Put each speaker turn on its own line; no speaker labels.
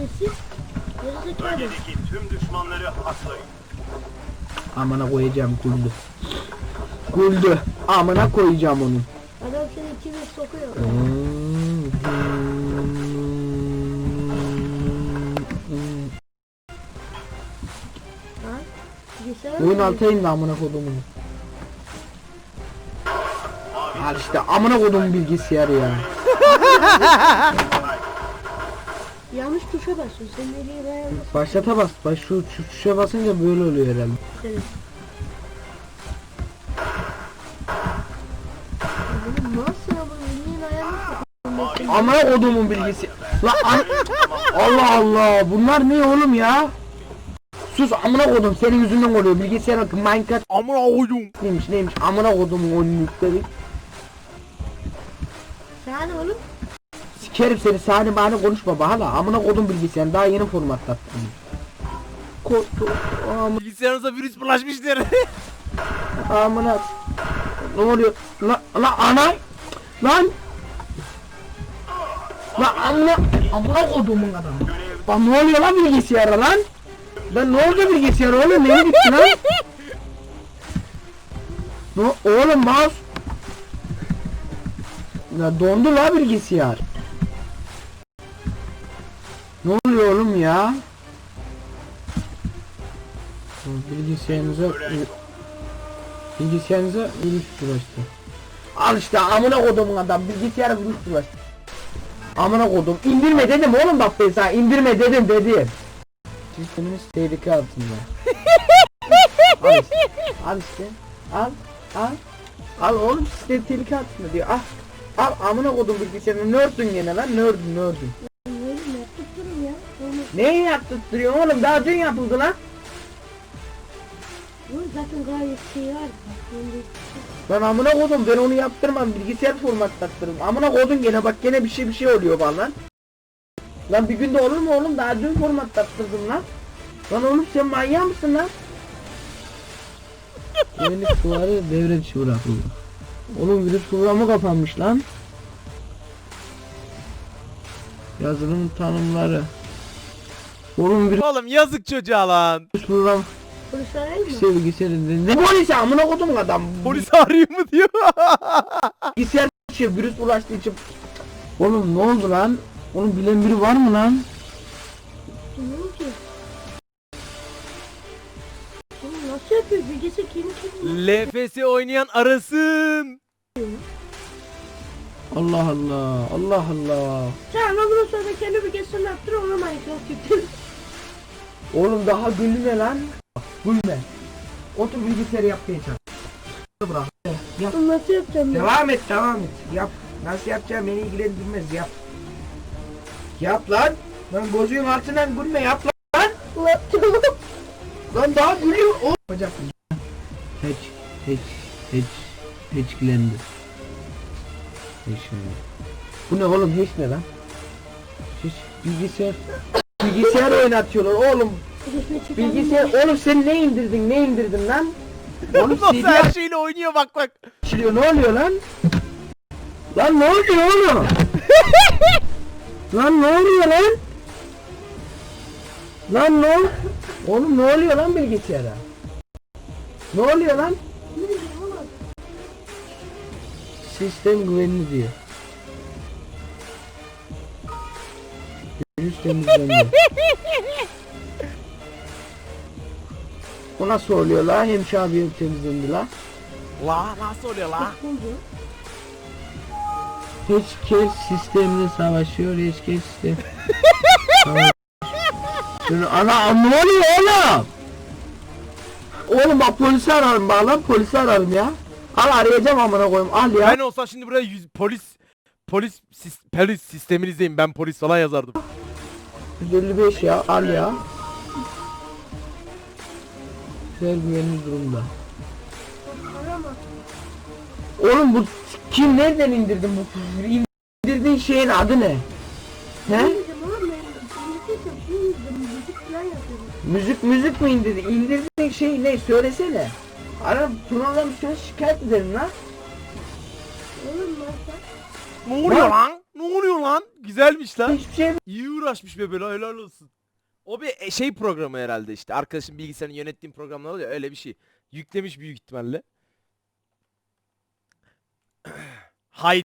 Siz gerizekalı.
Bölgedeki tüm düşmanları haklayın.
Amına koyacağım güldü. Güldü. Amına koyacağım onu.
Adam seni içine sokuyor. Ha? Bilgisayar
Oyun
mı?
altına indi amına kodumun. Al işte amına kodum bilgisayarı ya.
Yanlış tuşa basıyorsun. Sen nereye dayanmasın?
Başlata bas. Şu tuşa basınca böyle oluyor herhalde.
Evet. Benim nasıl ama elinin ayağını
Amına kodumun bilgisayarı. Allah Allah. Bunlar ne oğlum ya? Sus amına kodum senin yüzünden oluyor. Bilgisayara Minecraft
Amına koydum.
neymiş amına kodumun oyunlukları.
Sen oğlum.
Sikerim seni sahne bahane konuşma bahala. Amına kodum bilgisayarını daha yeni formatlattım.
Bilgisayarınıza virüs bulaşmıştır.
Amına. Ne oluyor? La ana. Lan. La amına kodumun adamı. Lan ne oluyor lan bilgisayara lan? Lan ne oldu bilgisayara oğlum neye gitti lan? Oğlum mouse. Ya dondu la bilgisayar. Ne oluyor oğlum ya? Bilgisayarınıza virüs bulaştı. Al işte amına kodumun adam bilgisayara virüs bulaştı. Amına kodum indirme dedim oğlum bak ben sana indirme dedim. Sisteminiz tehlike altında. Al işte. Al oğlum sistem tehlike altında diyor. Al amına kodum bilgisayarını nördün gene lan nördün.
Oğlum yaptık durun ya. Oğlum.
Neyi yaptırtıyorsun oğlum daha dün yapıldı lan.
Bu zaten gayet şey var.
Lan amına kodum ben onu yaptırmam bilgisayar formatlattırırım. Amına kodum gene bak gene bir şey oluyor bana lan. Lan bir günde olur mu oğlum daha dün formatlattırdım lan. Lan oğlum sen manyak mısın lan? Güvenlik suları devre dışı bırakıldı. Oğlum virüs programı kapanmış lan. Yazılım tanımları. Oğlum virüs
Oğlum yazık çocuğa lan.
program
Polis arayayım mı?
bilgisayarı ne polisi amına kodum adam.
Polis arıyor mu diyor.
Bilgisayar için virüs ulaştığı için. Oğlum ne oldu lan? Oğlum bilen biri var mı lan?
Bilmiyorum ki. Oğlum nasıl yapıyor? Bilgisayar kendi
LFS oynayan arasın.
Allah Allah.
Sen ama bundan sonra kendi bilgisayarını yaptır ona Minecraft yükle.
Oğlum daha gülme lan. Gülme. Otur bilgisayarı yapmaya çalış. Bırak. Yap.
Bunu nasıl yapacağım ya?
Devam et. Yap. Nasıl yapacağım beni ilgilendirmez yap. Yap lan. Lan gözün altından gülme yap lan.
Yapacağım.
Lan daha gülüyor. O. Bacak. Hatchlendi. Bu ne oğlum hiç ne lan? Hiç bilgisayar oynatıyorlar oğlum. Bilgisayar oğlum sen ne indirdin lan? Oğlum
Nasıl
CD
her şeyle oynuyor bak.
açılıyor ne oluyor lan? Lan ne oluyor oğlum? Lan ne oluyor lan? Lan ne oğlum ne oluyor lan bilgisayara? Ne oluyor lan? Sistem güvenli diyor. Virüs temizlendi. O nasıl oluyor la? Hemşe abi temizlendi la.
La nasıl oluyor la?
Hiç sistemle savaşıyor. Hiç sistem. Ana ne oluyor oğlum? Oğlum bak polisi ararım bağlan polisi ararım ya. Al arayacağım amına koyayım al ya.
Ben olsam şimdi buraya polis sisteminizdeyim ben polis falan yazardım.
155 ya al ya. Güzel güvenli durumda. Oğlum bu kim nereden indirdin bu indirdiğin şeyin adı ne? He? Müzik mi indirdin? İndirdiğin şey ne? Söylesene. Ara Tuna'dan bir şikayet edelim lan.
Ne oluyor lan? Ne oluyor lan? Güzelmiş lan.
Hiçbir şey
İyi uğraşmış be böyle, helal olsun. O bir şey programı herhalde işte. Arkadaşın bilgisayarını yönettiğim programlar oluyor, öyle bir şey. Yüklemiş büyük ihtimalle. Hay